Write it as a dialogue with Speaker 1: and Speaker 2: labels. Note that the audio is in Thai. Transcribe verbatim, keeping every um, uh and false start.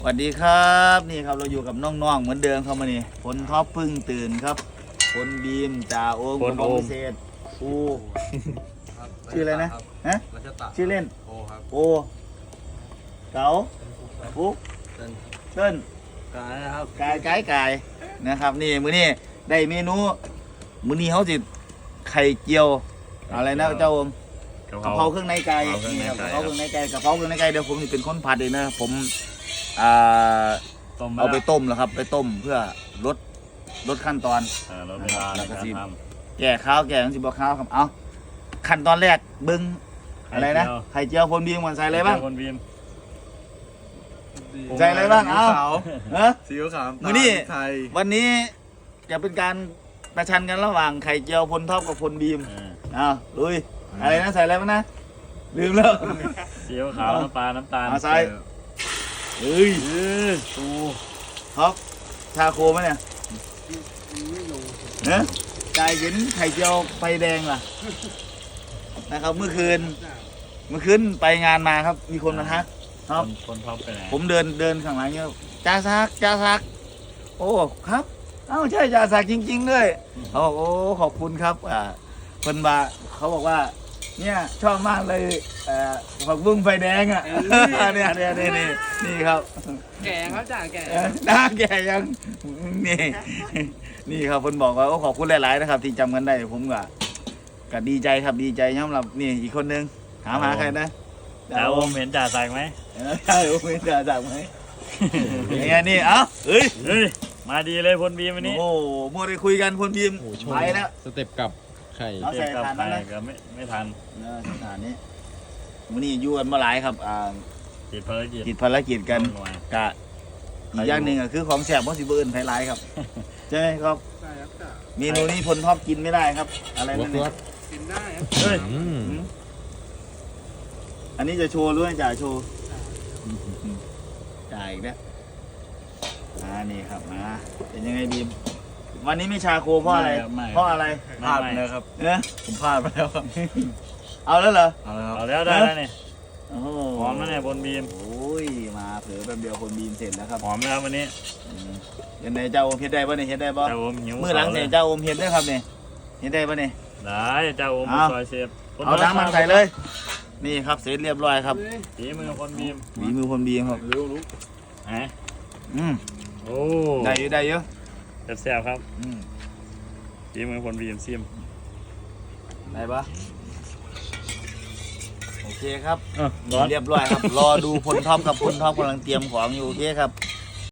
Speaker 1: สวัสดีครับนี่ครับเราอยู่กับน้องๆเหมือนเดิมครับมานี่ผลท็อปพึ่งตื่นครับผลบีมจ่าโอม
Speaker 2: ผลโอม
Speaker 1: พิเศษอูชื่ออะไรนะฮะชื่อเล่นโอครับโอเก๋าปุ๊กเติ้ล
Speaker 2: กายนะครับ
Speaker 1: กายกายกายนะครับนี่มื้อนี้ได้เมนูมื้อนี้เขาสิไข่เจียวอะไรนะเจ้าโอมกะเพราเครื่องในไก่นี่ครับกะเพราเครื่องในไก่กะเพราเครื่องในไก่เดี๋ยวผมนี่เป็นคนผัดเองนะผมอ่า
Speaker 2: ต้ม
Speaker 1: เอาไปต้มแล้วครับไปต้มเพื่อลดลดขั้นตอน
Speaker 2: เออลดเวลาในการท
Speaker 1: แก่ข้าวแก่ทั้งสิบข้าวครับเอาขั้นตอนแรกเบิ้ง
Speaker 2: ำ
Speaker 1: อะไรนะไข่เจียวพนบีมมันใส่อะไรบ้าง
Speaker 2: คนบีม
Speaker 1: ใส่อะไรบ้างเอาเออ
Speaker 3: ซีอิ๊วขาว
Speaker 1: มื้อนี้
Speaker 3: ไทย
Speaker 1: วันนี้จะเป็นการประชันกันระหว่างไข่เจียวพลท็อปกับพลบีม
Speaker 2: เออ
Speaker 1: เอาลุยอะไรนะใส่อะไรบ้างนะลืมแล้ว
Speaker 2: ซีอิ๊วขาวน้ำปลาน้ำตาล
Speaker 1: เอาใส่เฮ้ย
Speaker 2: เออตู
Speaker 1: ท็อปชาโคไหมเนี่ยเนอะกายเห็นไข่เจียวไฟแดงล่ะนะครับเมื่อคืน เมื่อคืนไปงานมาครับ มีคนมาทักครับ
Speaker 2: คนคนท็อปไปไหน
Speaker 1: ผมเดินเดินข้างหลังเนี่ยจ่าซักจ่าซัก โอ้ครับเอ้าใช่จ่าซักจริง ๆ ด้วยเขาบอกโอ้ขอบคุณครับอ่าคนบาเขาบอกว่า เนี่ยชอบมากเลยเอ่อผักบุ้งไฟแดงอ่ะเนี่ยเนี่ยเนี่ยนี่นี่ครับ
Speaker 4: แก่ครับจ่าแก่
Speaker 1: เออหน้าแก่ยังนี่นี่ครับคนบอกว่าโอ้ขอบคุณหลาย ๆ นะครับ ที่จำกันได้ผมก็ก็ดีใจครับดีใจสำหรับนี่อีกคนนึงถามหาใครนะ
Speaker 2: จ่าโอมเห็นจ่าสั่งไหม
Speaker 1: เออใช่โอ้ไม่จ่าสั่งไหมอย่างเงี้ยนี่เอ้าเฮ้ย
Speaker 2: เฮ้ยมาดีเลยคนบีมวันนี้
Speaker 1: โอ้โหมัวได้คุยกันคนพิมพ์
Speaker 3: โอ้โห
Speaker 1: ไปแล้ว
Speaker 3: สเต็ปกับไข่
Speaker 1: เอา
Speaker 2: เทียบกับ
Speaker 1: ใส่
Speaker 2: ใคร
Speaker 1: ถ่านนั้นนะ
Speaker 2: ก็ไม่ไม่ทัน
Speaker 1: เออสถานนี้วันนี้อยู่กันมาหลายครับอ่า
Speaker 2: ติดภารกิจ
Speaker 1: ติดภารกิจกัน
Speaker 2: หน่วย
Speaker 1: กะอีกอย่างหนึ่งก็คือของแสบของสิบเอิญไทยไลายครับใช่ไหมครับ
Speaker 4: ใช่ครับจ่า
Speaker 1: เมนูนี้พลท็อปกินไม่ได้ครับ อะไรนั่นเนี่ย
Speaker 4: กินได้ครับ
Speaker 2: เฮ้ย
Speaker 3: อืม
Speaker 1: อืมอันนี้จะโชว์หรือไม่จ่าโชว์จ่ายอีกแล้วอ่านี่ครับมาเป็นยังไงบีมวันนี้ไม่ชาโคเพราะอะไร
Speaker 2: ไม่
Speaker 1: เพราะอะไร
Speaker 2: ไม่ไม่
Speaker 3: นะครับ
Speaker 1: เนะ
Speaker 3: ผมพลาดไปแล้วครับ
Speaker 1: เอาแล้วเหรอ
Speaker 3: เอาละครับ
Speaker 2: เอาแล้วได้แล้วนี่
Speaker 1: โอ้โห
Speaker 2: หอมแล้วเนี่ยบนบีม
Speaker 1: โอ้ยมาเผือแป๊บเดียวคนบีมเสร็จแล้วครับ
Speaker 2: หอมแล้ววันนี้
Speaker 1: อืมเห็นไหนเจ้าโอมเฮ็ดได้ป่ะเนี่ยเฮ็ดได้ป่ะ
Speaker 2: จ่าโอมหิว
Speaker 1: มือหลังเนี่ยเจ้าโอมเฮ็ดได้ครับเนี่ยเฮ็ดได้ป่ะเนี่ย
Speaker 2: ได้จ่าโอม
Speaker 1: เอา
Speaker 2: ซอยเซฟ
Speaker 1: เอาน้ำมันใส่เลย นี่ครับเสร็จเรียบร้อยครับ
Speaker 2: ฝีมือคนบีม
Speaker 1: ฝีมือคนบีมครับ
Speaker 3: รู้รู้
Speaker 2: ฮะ
Speaker 1: อืม
Speaker 2: โอ้
Speaker 1: ได้อยู่ได้เยอะ
Speaker 2: แซ่บๆครับ
Speaker 1: อืม
Speaker 2: ฝีมือคนบีมซิม
Speaker 1: ได้ปะโอเคครับ
Speaker 2: เออร้อน
Speaker 1: เรียบร้อยครับ รอดูพลท็อปกับพลท็อปกำลังเตรียมของอยู่โอเคครับ